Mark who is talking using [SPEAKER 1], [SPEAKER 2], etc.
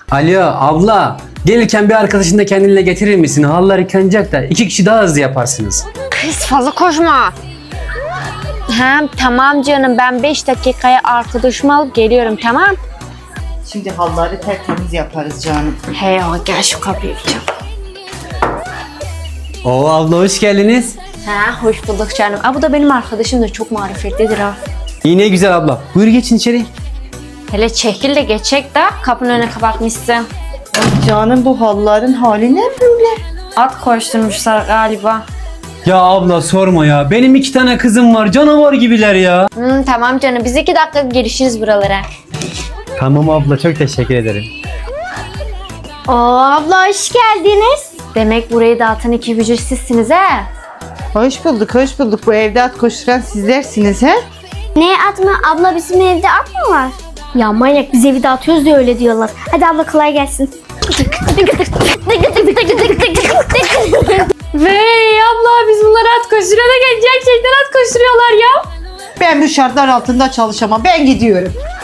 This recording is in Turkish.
[SPEAKER 1] Alo abla, gelirken bir arkadaşını da kendinle getirir misin? Halılar yıkanacak da 2 kişi daha hızlı yaparsınız.
[SPEAKER 2] Kız fazla koşma. Tamam canım, ben 5 dakikaya arkadaşımı alıp geliyorum, tamam.
[SPEAKER 3] Şimdi halları tertemiz yaparız canım.
[SPEAKER 2] Hey o, gel şu kapıyı çal.
[SPEAKER 1] Oo abla hoş geldiniz.
[SPEAKER 2] Hoş bulduk canım. Bu da benim arkadaşım da çok marifetlidir ha.
[SPEAKER 1] İyi ne güzel abla. Buyur geçin içeri.
[SPEAKER 2] Hele çekil de geçecek de kapının önüne kapatmışsın.
[SPEAKER 3] Ay canım, bu halların hali ne böyle?
[SPEAKER 2] At koşturmuşlar galiba.
[SPEAKER 1] Ya abla sorma ya. Benim 2 tane kızım var. Canavar gibiler ya.
[SPEAKER 2] Tamam canım, biz 2 dakika girişiriz buralara.
[SPEAKER 1] Tamam abla çok teşekkür ederim.
[SPEAKER 2] Abla hoş geldiniz. Demek burayı dağıtan 2 bücür sizsiniz he?
[SPEAKER 3] Hoş bulduk, hoş bulduk. Bu evde at koşturan sizlersiniz he?
[SPEAKER 4] Ne at mı? Abla bizim evde at mı var? Ya manyak, biz evi dağıtıyoruz diye öyle diyorlar. Hadi abla kolay gelsin.
[SPEAKER 2] Vey abla, biz bunları at koşturuyor da gerçekten at koşturuyorlar ya.
[SPEAKER 3] Ben bu şartlar altında çalışamam. Ben gidiyorum.